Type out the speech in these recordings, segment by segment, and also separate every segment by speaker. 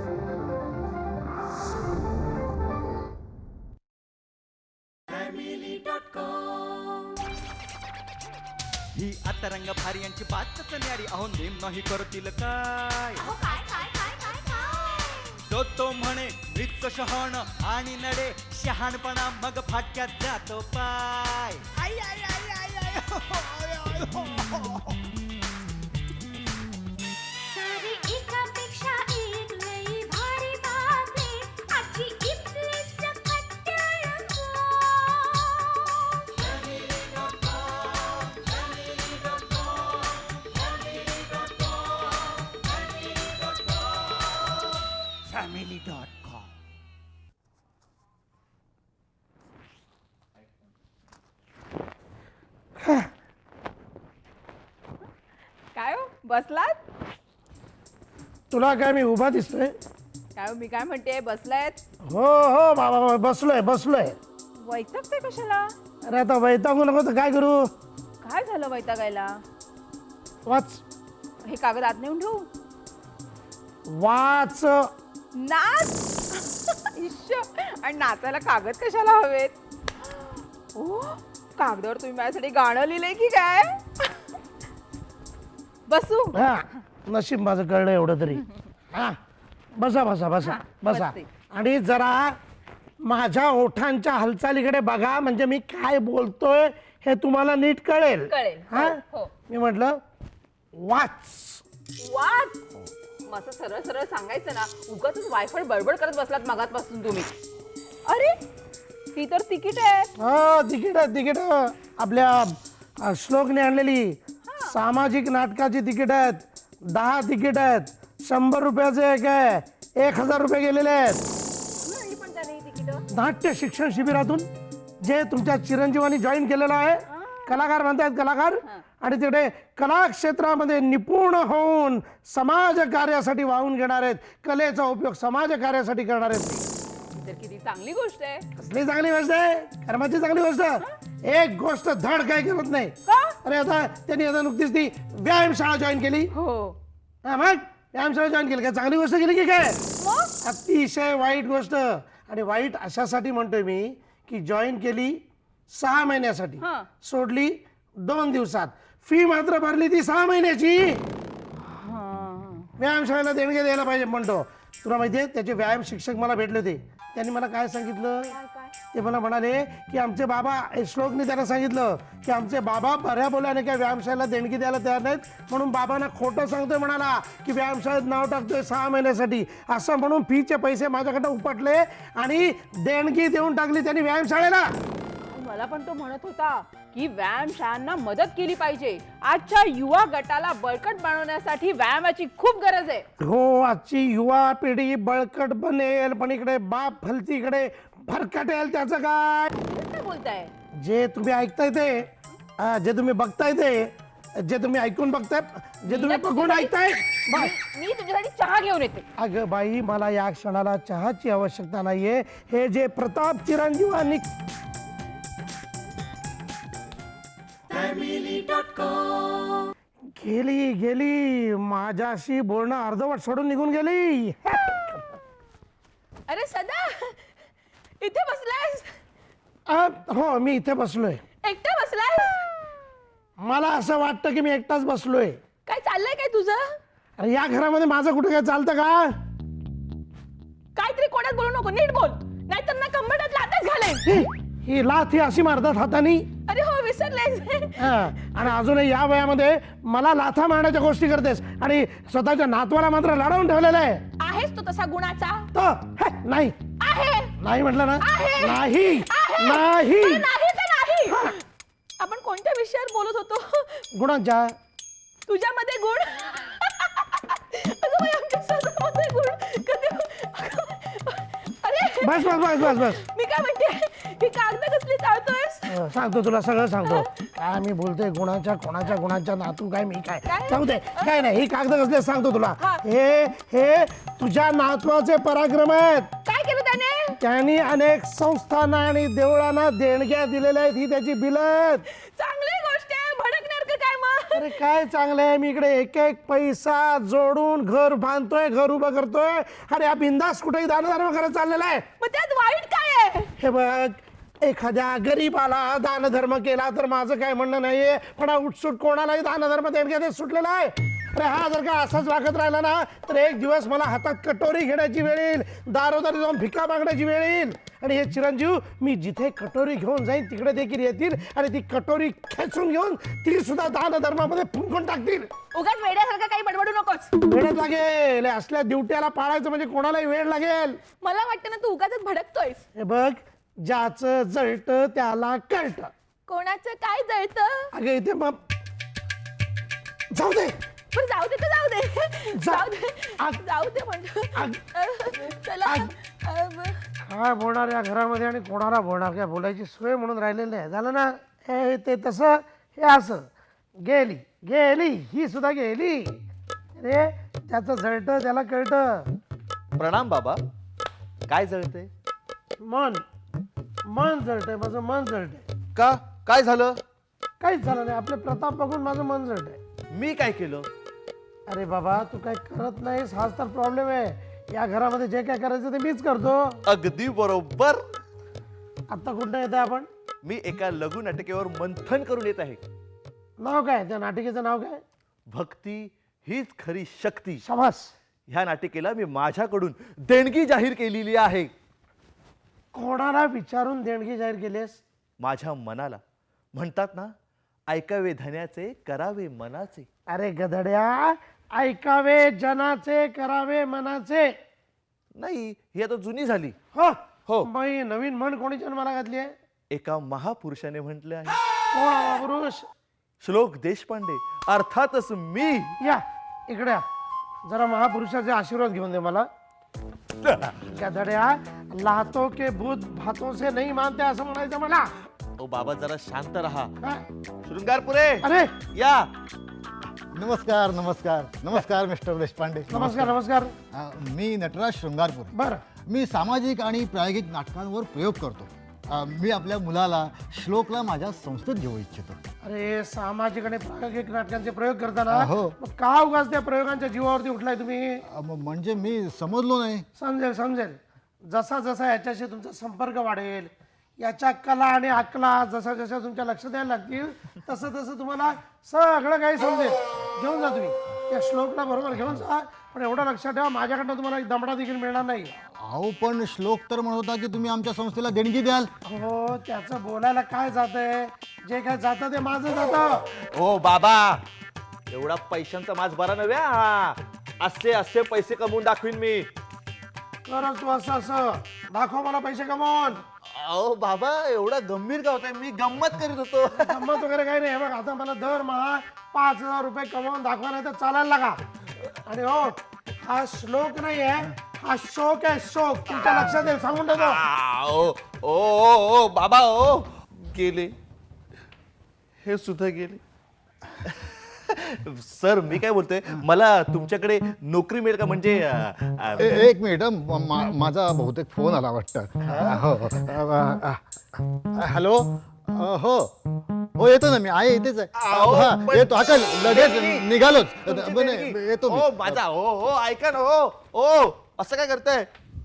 Speaker 1: ही आता रंग भारी यांची बातच न्यारी अहो नेम नाही करतील काय जो तो म्हणे मृत शहाण आणि नडे शहाणपणा मग फाटक्यात जातो पाय आई आई आई आई आई हो, आय, आय, हो, हो.
Speaker 2: सारी एकापेक्षा एक लई भारी बातमी आजची इथली सकट टेलिफोन.
Speaker 1: family.com
Speaker 3: काय हो बसलात?
Speaker 4: तुला काय मी उभा दिसतोय?
Speaker 3: काय हो, मी काय म्हणते बसलायत?
Speaker 4: हो हो बाबा बसलोय बसलोय.
Speaker 3: वैतागते कशाला?
Speaker 4: अरे आता वैतागू नको तर काय करू?
Speaker 3: काय झालं वैतागायला?
Speaker 4: वाच
Speaker 3: हे कागद आत नेऊन ठेवू?
Speaker 4: वाच.
Speaker 3: नाच इश्श, आणि नाचायला कागद कशाला हवेत? ओ कागदावर तुम्ही माझ्यासाठी गाणं लिहिलंय की काय? बसू?
Speaker 4: हा नशीब माझं कळलं एवढं तरी. हा बसा बसा बसा बसा.
Speaker 3: बसते.
Speaker 4: आणि जरा माझ्या ओठांच्या हालचालीकडे बघा म्हणजे मी काय बोलतोय हे तुम्हाला नीट कळेल.
Speaker 3: कळेल.
Speaker 4: हा
Speaker 3: हो.
Speaker 4: मी म्हटलं वाच.
Speaker 3: वाच मस्त सरळ सरळ सांगायचं ना, उगाच वायफळ बडबड करत बसलात मगातपासून तुम्ही. अरे ही तर तिकीट आहे.
Speaker 4: हो तिकीट तिकीट आपल्या श्लोकने आणलेली सामाजिक नाटकाची तिकीट आहेत. 10 तिकीट आहेत. 100 रुपयाचे एक आहे. 1000 रुपये गेलेले आहेत.
Speaker 3: आणि पण त्याने ही तिकीट
Speaker 4: नाट्य शिक्षण शिबिरातून जे तुमच्या चिरंजीवानी जॉईन केलेलं आहे. कलाकार म्हणतात कलाकार. आणि तिकडे कला क्षेत्रामध्ये निपुण होऊन समाज कार्यासाठी वाहून घेणार आहेत. कलेचा उपयोग समाज कार्यासाठी करणार आहेत.
Speaker 3: तर किती चांगली गोष्ट आहे.
Speaker 4: कसली चांगली गोष्ट आहे? कर्माची चांगली गोष्ट. एक गोष्ट धड काय करत नाही.
Speaker 3: का?
Speaker 4: अरे आता त्यांनी आता नुकतीच ती व्यायामशाळा जॉईन केली.
Speaker 3: हो
Speaker 4: हा मग व्यायामशाळा जॉईन केली काय चांगली गोष्ट केली की काय? अतिशय वाईट गोष्ट. आणि वाईट अशासाठी म्हणतोय मी की जॉईन केली 6 महिन्यासाठी,
Speaker 3: हा.
Speaker 4: सोडली 2 दिवसात. फी मात्र भरली ती 6 महिन्याची. व्यायामशाळेला देणगे द्यायला पाहिजे म्हणतो. तुला माहितीये त्याचे व्यायाम शिक्षक मला भेटले होते. त्यांनी मला काय सांगितलं? ते मला म्हणाले की आमचे बाबा, श्लोकने त्यांना सांगितलं की आमचे बाबा बऱ्या बोलाने काय व्यायामशाळेला देणगी द्यायला तयार नाहीत, म्हणून बाबांना खोटं सांगतोय म्हणाला की व्यायामशाळेत नाव टाकतोय 6 महिन्यासाठी. असं म्हणून फीचे पैसे माझ्याकडे उपटले आणि देणगी देऊन टाकली त्यांनी व्यायामशाळेला.
Speaker 3: मला पण तो म्हणत होता की व्यायामशाळांना मदत केली पाहिजे. आजच्या युवा गटाला बळकट बनवण्यासाठी व्यायामाची खूप गरज आहे.
Speaker 4: हो आजची युवा पिढी बळकट बनेल, पण इकडे बाप भलतीकडे भरकटेल. त्याचं काय?
Speaker 3: काय बोलताय?
Speaker 4: जे तुम्ही ऐकताय ते, जे तुम्ही बघताय ते, जे तुम्ही ऐकून बघताय, जे तुम्ही बघून ऐकताय.
Speaker 3: मी तुझ्यासाठी चहा घेऊन येते.
Speaker 4: अगं बाई मला या क्षणाला चहाची आवश्यकता नाहीये. हे जे प्रताप चिरंजीवांनी गेली गेली माझ्याशी बोलणं अर्धवट सोडून निघून गेली.
Speaker 3: अरे सदा इथे बसलायस?
Speaker 4: हो मी इथे बसलोय.
Speaker 3: एकटा बसलायस?
Speaker 4: मला असं वाटतं की मी एकटाच बसलोय.
Speaker 3: काय चाललंय काय तुझं?
Speaker 4: अरे या घरामध्ये माझं कुठं काय चालतं का?
Speaker 3: काहीतरी कोड्यात बोलू नको, नीट बोल, नाहीतर ना कंबरडात लाथच घालेन.
Speaker 4: ही लाथ ही अशी मारतात हातानी.
Speaker 3: अरे हो विसरलेस.
Speaker 4: आणि अजूनही या वयामध्ये मला लाथा मारण्याच्या गोष्टी करतेस आणि स्वतःच्या नातवाला मात्र लढवून ठेवलेलं आहे.
Speaker 3: आहेस तू तसा गुणाचा?
Speaker 4: नाही
Speaker 3: आहे.
Speaker 4: नाही म्हटलं ना.
Speaker 3: आहे.
Speaker 4: नाही नाही
Speaker 3: नाही तर नाही. आपण कोणत्या विषयावर बोलत होतो?
Speaker 4: गुणांच्या.
Speaker 3: तुझ्यामध्ये गुण? अगं बाई, आमच्या स्वतःमध्ये गुण कधी? अरे
Speaker 4: बस बस बस बस बस.
Speaker 3: मी काय म्हणते, ही कागद कसली चालतोयस?
Speaker 4: सांगतो तुला सगळं सांगतो. काय मी बोलतोय गुणाच्या कोणाच्या गुणाच्या नातू काय मी काय सांगू दे. काय नाही ही कागद कसले सांगतो तुला. हे हे तुझ्या नातवाचे पराक्रम आहेत.
Speaker 3: काय केलं त्याने?
Speaker 4: त्यांनी अनेक संस्थांना आणि देवळांना देणग्या दिलेल्या आहेत. ही त्याची बिल आहेत.
Speaker 3: चांगली गोष्ट आहे. भडकणार का काय मग?
Speaker 4: अरे काय चांगलं आहे, मी इकडे एक एक पैसा जोडून घर बांधतोय, घर उभं करतोय आणि हा बिंदास कुठेही दानधर्म करत चाललेला आहे.
Speaker 3: मग त्यात वाईट काय आहे?
Speaker 4: हे बघ, एखाद्या गरीबाला दानधर्म केला तर माझं काय म्हणणं नाहीये, पण हा उठसूट कोणालाही दानधर्म देणग्या देत सुटलेला आहे. अरे हा जर का असाच वागत राहिला ना तर एक दिवस मला हातात कटोरी घेण्याची वेळ येईल, दारोदारी जाऊन भिका मागण्याची वेळ येईल. आणि हे चिरंजीव, मी जिथे कटोरी घेऊन जाईन तिकडे देखील येतील आणि ती कटोरी खेचून घेऊन ती सुद्धा दानधर्मामध्ये फुंकून टाकतील.
Speaker 3: उगाच वेड्यासारखं काही बडबडू नकोस.
Speaker 4: वेळच लागेल, असल्या ड्युट्याला पाळायचं म्हणजे कोणालाही वेळ लागेल.
Speaker 3: मला वाटतं ना तू उगाच भडकतोयस.
Speaker 4: हे बघ, ज्याचं जळत त्याला कळत.
Speaker 3: कोणाचं काय जळतं?
Speaker 4: अगे इथे मग जाऊ दे.
Speaker 3: पण जाऊ दे तर जाऊ दे. जाऊ दे.
Speaker 4: आग-
Speaker 3: जाऊ दे म्हणतो. चला.
Speaker 4: काय बोलणार या घरामध्ये आणि कोणाला बोलणार, काय बोलायची सोय म्हणून राहिलेली आहे. झालं ना, हे ते तसं, हे असं. गेली गेली ही सुद्धा गेली. रे त्याचं जळतं त्याला कळतं.
Speaker 5: प्रणाम बाबा. काय जळते?
Speaker 4: मन मन जळतंय, माझं मन जळतंय.
Speaker 5: का? काय झालं?
Speaker 4: काहीच झालं नाही, आपले प्रताप बघून माझं मन जळतंय.
Speaker 5: मी काय केलं?
Speaker 4: अरे बाबा, तू काय करत नाहीस, हाच तर प्रॉब्लेम आहे. या घरामध्ये जे काय करायचं ते मीच करतो.
Speaker 5: अगदी बरोबर.
Speaker 4: आता कुठं येत आहे आपण?
Speaker 5: मी एका लघु नाटिकेवर मंथन करून येत आहे.
Speaker 4: नाव काय त्या नाटिकेचं नाव काय?
Speaker 5: भक्ती हीच खरी शक्ती.
Speaker 4: शाबास.
Speaker 5: ह्या नाटिकेला मी माझ्याकडून देणगी जाहीर केलेली आहे.
Speaker 4: कोणाला विचारून देणगी जाहीर केलीस?
Speaker 5: माझ्या मनाला. म्हणतात ना, ऐकावे धन्याचे करावे मनाचे.
Speaker 4: अरे गधड्या, ऐकावे जनाचे करावे मनाचे.
Speaker 5: नाही, ही आता जुनी झाली.
Speaker 4: हो
Speaker 5: हो.
Speaker 4: मग ही नवीन म्हण कोणी जन्माला घातली आहे?
Speaker 5: एका महापुरुषाने म्हटले आहे.
Speaker 4: कोण हा पुरुष?
Speaker 5: श्लोक देशपांडे, अर्थातच मी.
Speaker 4: या इकडे या. जरा महापुरुषाचे आशीर्वाद घेऊन दे मला. गधड्या, लातो के भूत भातों से नहीं मानते असं म्हणायचं मला.
Speaker 5: ओ बाबा, जरा शांत रहा.
Speaker 4: हा?
Speaker 5: शृंगारपुरे
Speaker 4: अरे
Speaker 5: या.
Speaker 6: नमस्कार नमस्कार नमस्कार मिस्टर देशपांडे.
Speaker 4: नमस्कार नमस्कार.
Speaker 6: मी नटराज शृंगारपूर.
Speaker 4: बरं,
Speaker 6: मी सामाजिक आणि प्रायोगिक नाटकांवर प्रयोग करतो. मी आपल्या मुलाला श्लोकला माझ्या संस्थेत घेऊ इच्छितो.
Speaker 4: अरे सामाजिक आणि प्रायोगिक नाटकांचे प्रयोग करताना
Speaker 6: हो.
Speaker 4: मग का उगाच त्या प्रयोगांच्या जीवावरती उठलाय तुम्ही?
Speaker 6: म्हणजे मी समजलो नाही.
Speaker 4: समजेल समजेल. जसा जसा याच्याशी तुमचा संपर्क वाढेल, याच्या कला आणि अकला जसा जसा तुमच्या लक्ष द्यायला लागतील तसं तसं तुम्हाला सगळं काही समजेल. घेऊन जा तुम्ही त्या श्लोकला, बरोबर घेऊन जा. पण एवढं लक्षात ठेवा, माझ्याकडनं तुम्हाला एक दमडा देखील मिळणार नाही.
Speaker 6: अहो पण श्लोक तर म्हणत होता की तुम्ही आमच्या संस्थेला देणगी द्याल.
Speaker 4: हो, त्याचं बोलायला काय जातंय? जे काय जातं ते माझं जातं.
Speaker 5: ओ बाबा, एवढा पैशांचा माझ बरा नव्या. असे असे पैसे कमवून दाखवीन मी.
Speaker 4: करच तू असं असं दाखव मला पैसे कमवून.
Speaker 5: अहो बाबा, एवढा गंभीर का होताय? मी गंमत करीत होतो.
Speaker 4: गंमत वगैरे काही नाही. हे बघ, आता मला दरमहा 5,000 रुपये कमवून दाखवा, नाही तर चालायला लागा. आणि हो, हा श्लोक नाही आहे, हा शोक आहे, शोक. तुमच्या लक्षात येईल, सांगून देतो.
Speaker 5: ओ ओ ओ बाबा, ओ गेले, हे सुद्धा गेले. सर, मी काय बोलतोय, मला तुमच्याकडे नोकरी मिळेल का? म्हणजे
Speaker 6: एक मिनिट, माझा बहुतेक फोन आला वाटतं. हॅलो. हो हो, येतो ना मी. आहे इथेच आहे.
Speaker 5: अहो,
Speaker 6: हा,
Speaker 5: पण-
Speaker 6: येतो. आता लगेच
Speaker 5: देणगी.
Speaker 6: निघालोच.
Speaker 5: तुमची
Speaker 6: बने,
Speaker 5: देणगी.
Speaker 6: येतो मी.
Speaker 5: ओ माझा, ओ ओ ऐका ना. ओ ओ असं काय करताय?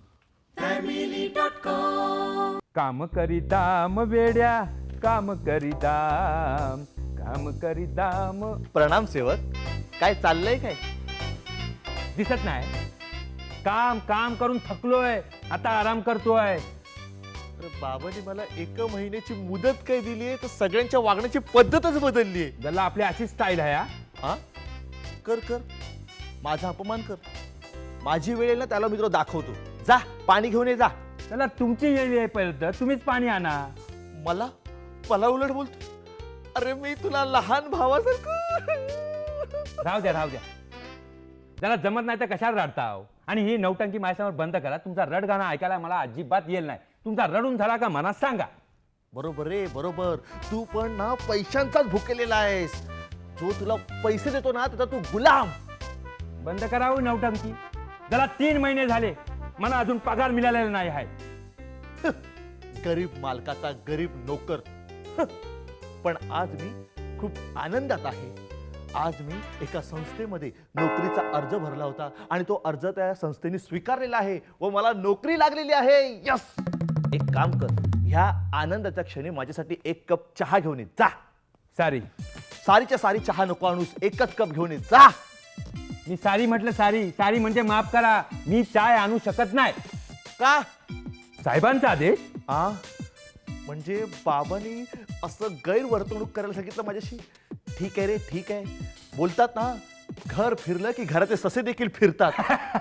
Speaker 7: काम करीताम वेड्या, काम करीताम, काम करीताम.
Speaker 5: प्रणाम सेवक. काय चाललंय काय?
Speaker 7: दिसत नाही? काम काम करून थकलोय, आता आराम करतोय.
Speaker 5: अरे बाबांनी मला 1 महिन्याची मुदत काय दिली आहे, तर सगळ्यांच्या वागण्याची पद्धतच बदलली आहे.
Speaker 7: ज्याला आपली अशी स्टाईल आहे हा.
Speaker 5: हा, कर कर, माझा अपमान कर. माझी वेळ येईल ना, त्याला मी तुला दाखवतो. जा पाणी घेऊन ये, जा.
Speaker 7: त्याला तुमची वेळ येईपर्यंत तुम्हीच पाणी आणा.
Speaker 5: मला मला उलट बोलतो. अरे मी तुला लहान भावासारखं.
Speaker 7: राहू द्या राहू द्या. त्याला जमत नाही तर कशाला रडताव? आणि ही नौटंकी माझ्यासमोर बंद करा. तुमचा रड गाणं ऐकायला मला अजिबात येईल नाही. तुमचा रडून झाला का मनात सांगा.
Speaker 5: बरोबर रे, बरोबर. तू पण ना पैशांचाच भुकेलेला आहेस. जो तुला पैसे देतो ना, त्याचा तू गुलाम.
Speaker 7: बंद करावं नौटंकी. त्याला 3 महिने झाले, मला अजून पगार मिळालेला नाही आहे.
Speaker 5: गरीब मालकाचा गरीब नोकर. पण आज मी खूप आनंदात आहे. आज मी एका संस्थेमध्ये नोकरीचा अर्ज भरला होता आणि तो अर्ज त्या संस्थेने स्वीकारलेला आहे व मला नोकरी लागलेली आहे. यस. एक काम कर, ह्या आनंदाच्या क्षणी माझ्यासाठी एक कप चहा घेऊन ये जा.
Speaker 7: सारी
Speaker 5: सारीच्या सारी चहा नको आणूस, एकच कप घेऊन ये जा.
Speaker 7: मी सारी म्हटलं, सारी सारी म्हणजे माफ करा, मी चाय आणू शकत नाही.
Speaker 5: का?
Speaker 7: साहेबांचा आदेश.
Speaker 5: आ म्हणजे बाबांनी असं गैरवर्तणूक करायला सांगितलं माझ्याशी. ठीक आहे रे, ठीक आहे. बोलतात ना, घर फिरलं की घराचे ससे देखील फिरतात.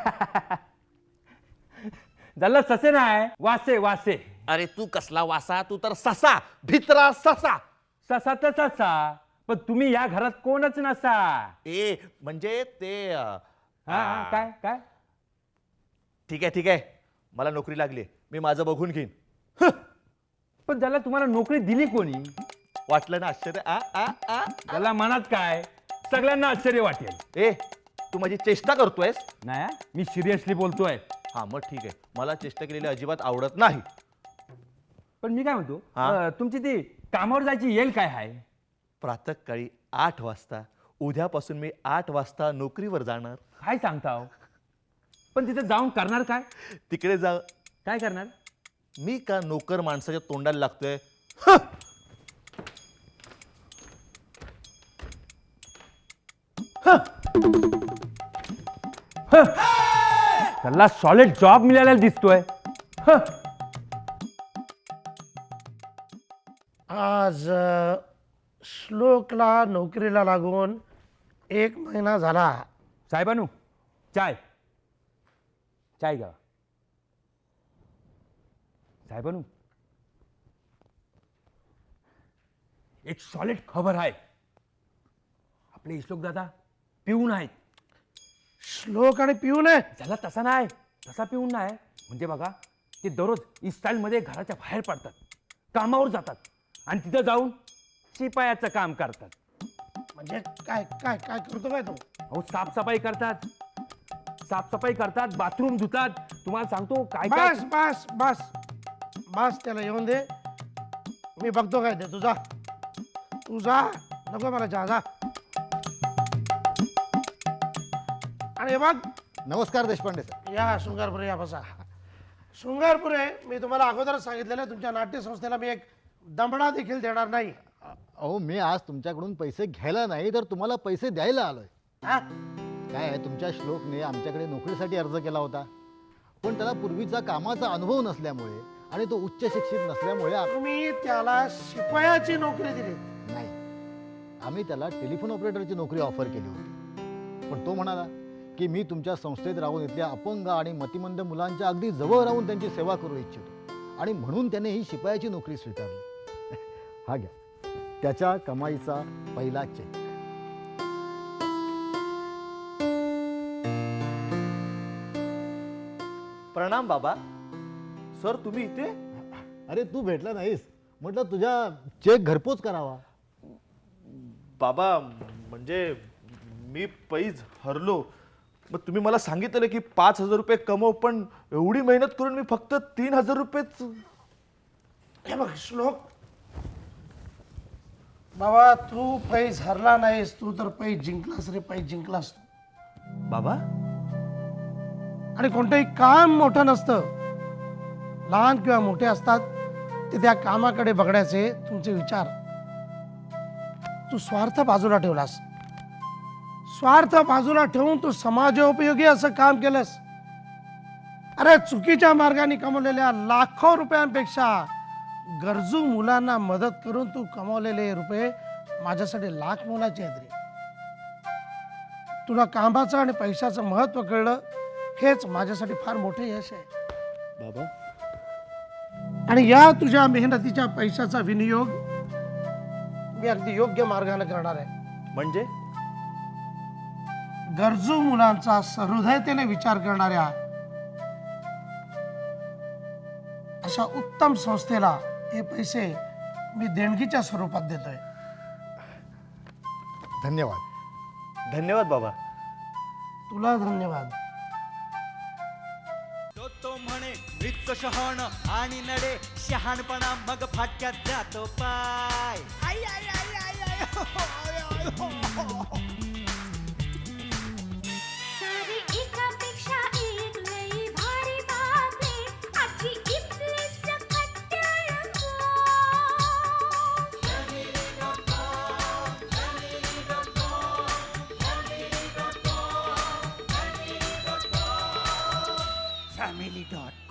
Speaker 7: झालं ससे नाही, वासे वासे.
Speaker 5: अरे तू कसला वासा, तू तर ससा, भित्रा ससा.
Speaker 7: ससा तर ससा, पण तुम्ही या घरात कोणच नसा.
Speaker 5: ए म्हणजे ते
Speaker 7: हा, काय काय
Speaker 5: ठीक आहे, ठीक आहे. मला नोकरी लागली, मी माझं बघून घेईन.
Speaker 7: पण त्याला तुम्हाला नोकरी दिली कोणी?
Speaker 5: वाटलं ना आश्चर्य?
Speaker 7: त्याला मनात काय, सगळ्यांना आश्चर्य वाटेल.
Speaker 5: ए तू माझी चेष्टा करतोयस?
Speaker 7: नाही, मी सिरियसली बोलतोय.
Speaker 5: हा मग ठीक आहे, मला चेष्टा केलेली अजिबात आवडत नाही.
Speaker 7: पण मी काय म्हणतो,
Speaker 5: हा?
Speaker 7: तुमची ती कामावर जायची येईल काय आहे?
Speaker 5: प्रातःकाळी 8 वाजता. उद्यापासून मी 8 वाजता नोकरीवर जाणार.
Speaker 7: काय सांगता हो? पण तिथे जाऊन करणार काय?
Speaker 5: तिकडे जा.
Speaker 7: काय करणार?
Speaker 5: मी का नोकर माणसाच्या तोंडाला लागतोय?
Speaker 7: त्याला सॉलिड जॉब मिळालेला दिसतोय.
Speaker 4: आज श्लोकला नोकरीला लागून 1 महिना झाला.
Speaker 7: साहेबानू, चाय चाय घ्या. साहेबानू, एक सॉलिड खबर आहे. आपले श्लोक दादा पिऊन आहेत.
Speaker 4: श्लोक आणि पिऊन आहे.
Speaker 7: त्याला तसा नाही, तसा पिऊन नाही. म्हणजे बघा, ते दररोज इस्टाईलमध्ये घराच्या बाहेर पडतात, कामावर जातात आणि तिथं जाऊन शिपायाचं काम करतात.
Speaker 4: म्हणजे काय काय काय करतो काय तो?
Speaker 7: अहो, साफसफाई करतात, साफसफाई करतात, बाथरूम धुतात. तुम्हाला सांगतो काय काय.
Speaker 4: बस बस बस बस, त्याला येऊन दे, मी बघतो काय ते. तुझा तू जा, नको मला चहा, जा. आणि हे बघ,
Speaker 6: नमस्कार देशपांडे सर.
Speaker 4: या शृंगारपुरे, या बसा. शृंगारपुरे, मी तुम्हाला अगोदरच सांगितलेलं, तुमच्या नाट्यसंस्थेला मी एक दमडा देखील देणार नाही.
Speaker 6: अहो मी आज तुमच्याकडून पैसे घ्यायला नाही तर तुम्हाला पैसे द्यायला आलोय.
Speaker 4: हा?
Speaker 6: काय आहे, तुमच्या श्लोकने आमच्याकडे नोकरीसाठी अर्ज केला होता, पण त्याला पूर्वीचा कामाचा अनुभव नसल्यामुळे आणि तो उच्च शिक्षित नसल्यामुळे
Speaker 4: तुम्ही त्याला शिपायाची नोकरी दिली.
Speaker 6: नाही, आम्ही त्याला टेलिफोन ऑपरेटरची नोकरी ऑफर केली होती. पण तो म्हणाला की मी तुमच्या संस्थेत राहून इथल्या अपंग आणि मतिमंद मुलांच्या अगदी जवळ राहून त्यांची सेवा करू इच्छितो, आणि म्हणून त्याने ही शिपायाची नोकरी स्वीकारली. हा घ्या, त्याच्या कमाईचा पहिला चेक.
Speaker 5: प्रणाम बाबा. सर तुम्ही इथे?
Speaker 6: अरे तू भेटला नाहीस, म्हटलं तुझ्या चेक घरपोच करावा.
Speaker 5: बाबा म्हणजे मी पैज हरलो. मग तुम्ही मला सांगितलं की 5,000 रुपये कमव, पण एवढी मेहनत करून मी फक्त 3,000 रुपयेच.
Speaker 4: हे बघ श्लोक, बाबा तू पैज हरला नाहीस, तू तर पैज जिंकलास रे, पैज जिंकलास.
Speaker 5: बाबा
Speaker 4: आणि कोणतंही काम मोठं नसतं, लहान किंवा मोठे असतात ते त्या कामाकडे बघण्याचे तुमचे विचार. तू स्वार्थ बाजूला ठेवलास, स्वार्थ बाजूला ठेवून तू समाजोपयोगी असं काम केलंस. अरे चुकीच्या मार्गाने कमवलेल्या लाखो रुपयांपेक्षा गरजू मुलांना मदत करून तू कमवलेले रुपये माझ्यासाठी लाख मोलाचे आहेत रे. तुला कामाचं आणि पैशाचं महत्व कळलं, हेच माझ्यासाठी फार मोठे यश आहे
Speaker 5: बाबा.
Speaker 4: आणि या तुझ्या मेहनतीच्या पैशाचा विनियोग मी अगदी योग्य मार्गाने करणार आहे.
Speaker 5: म्हणजे
Speaker 4: गरजू मुलांचा सहृदयतेने विचार करणाऱ्या अशा उत्तम संस्थेला हे पैसे मी देणगीच्या स्वरूपात देतोय.
Speaker 6: धन्यवाद.
Speaker 5: धन्यवाद बाबा.
Speaker 4: तुला धन्यवाद.
Speaker 1: तो म्हणे मृत शहाण आणि नडे शहाणपणा मग फाटक्यात जातो पाय. आई आई आई आई आई
Speaker 2: सारी एकापेक्षा एक लई भारी बातमी आजची इथली सकट रंगो.
Speaker 1: Family dot